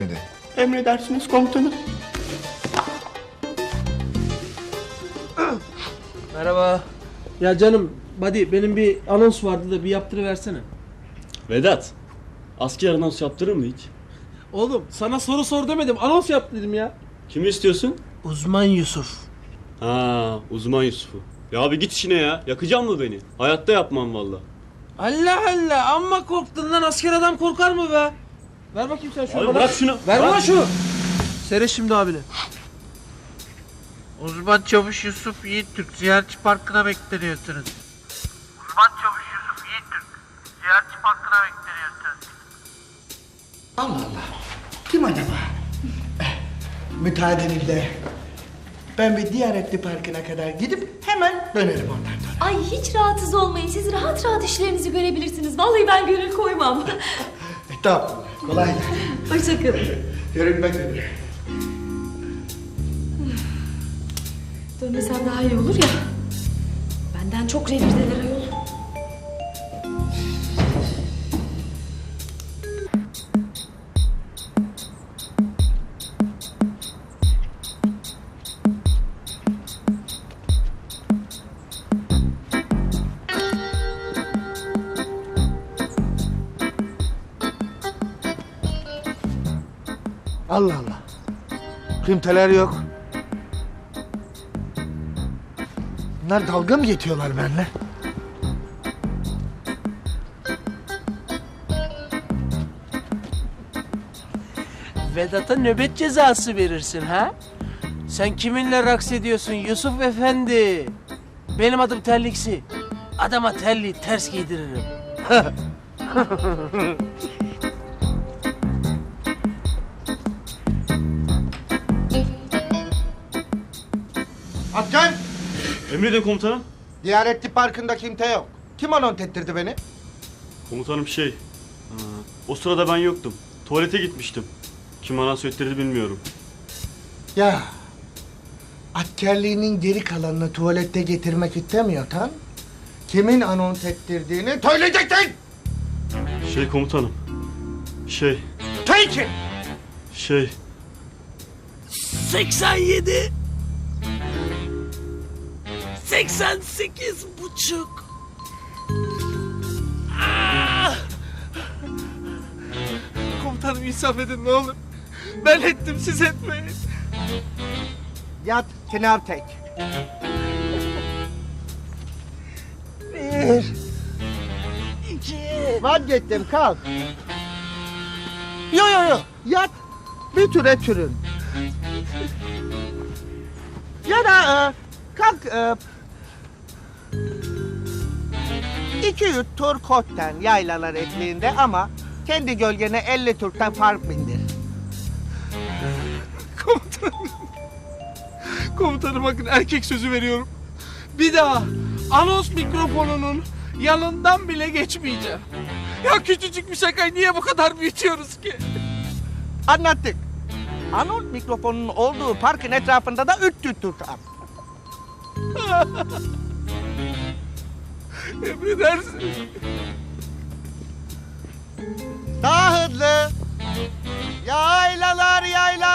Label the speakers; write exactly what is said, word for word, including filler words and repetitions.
Speaker 1: Emredersiniz komutanım.
Speaker 2: Merhaba. Ya canım, buddy benim bir anons vardı da bir yaptırıversene.
Speaker 3: Vedat, asker anons yaptırır mı hiç?
Speaker 2: Oğlum sana soru sor demedim, anons yap dedim ya.
Speaker 3: Kimi istiyorsun?
Speaker 2: Uzman Yusuf.
Speaker 3: Ha, uzman Yusuf'u. Ya abi git işine ya. Yakacak mı beni? Hayatta yapmam valla.
Speaker 2: Allah Allah, amma korktun lan, asker adam korkar mı be? Ver bakayım sen şunu
Speaker 3: Abi
Speaker 2: bana.
Speaker 3: bırak şunu.
Speaker 2: Ver
Speaker 3: Bırak.
Speaker 2: bana şunu. Seyret şimdi abine.
Speaker 4: Uzman Çavuş Yusuf Yiğittürk Ziyaretçi Parkı'na bekleniyorsunuz. Uzman Çavuş Yusuf Yiğittürk Ziyaretçi Parkı'na bekleniyorsunuz.
Speaker 1: Allah Allah. Kim acaba? Eh, müsaadenizle. Ben bir Diyanetli Parkı'na kadar gidip hemen dönerim ondan sonra.
Speaker 5: Ay hiç rahatsız olmayın. Siz rahat rahat işlerinizi görebilirsiniz. Vallahi ben gönül koymam.
Speaker 1: E, tamam. Kolay gelsin.
Speaker 5: Hoşçakalın.
Speaker 1: Görünmek üzere.
Speaker 5: Dönmesem daha iyi olur ya. Benden çok revirdeler ayol.
Speaker 1: Allah Allah. Kimseler yok. Bunlar dalga mı geçiyorlar benimle?
Speaker 2: Vedat'a nöbet cezası verirsin ha? Sen kiminle raks ediyorsun Yusuf Efendi? Benim adım Terliksi. Adama terliği ters giydiririm.
Speaker 1: Atcan!
Speaker 3: Emredin komutanım.
Speaker 1: Diyanetli Parkı'nda kimse yok. Kim anons ettirdi beni?
Speaker 3: Komutanım şey... ha, o sırada ben yoktum. Tuvalete gitmiştim. Kim anons ettirdi bilmiyorum.
Speaker 1: Ya... Askerliğinin geri kalanını tuvalette getirmek istemiyorsan... Kimin anons ettirdiğini söyleyeceksin!
Speaker 3: Şey komutanım. Şey...
Speaker 1: Söyle ki!
Speaker 3: Şey...
Speaker 2: seksen yedi seksen sekiz buçuk. Ah! Komutanım insaf edin ne olur. Ben ettim, siz etmeyin.
Speaker 1: Yat, sınav tek. Bir...
Speaker 2: İki.
Speaker 1: Vazgeçtim, kalk. Yo yo yo, yat. Bir türe türün. Ya da e, kalk e, iki yüz tur kotten yaylalar ekleyinde ama kendi gölgene elli turtan fark bindir.
Speaker 2: Komutanım. Komutanım bakın, erkek sözü veriyorum. Bir daha anons mikrofonunun yanından bile geçmeyeceğim. Ya küçücük bir şakayı niye bu kadar büyütüyoruz ki?
Speaker 1: Anlattık. Anons mikrofonunun olduğu parkın etrafında da üç yüz turtan.
Speaker 2: Emredersin.
Speaker 1: Daha hızlı. Yaylalar yaylalar.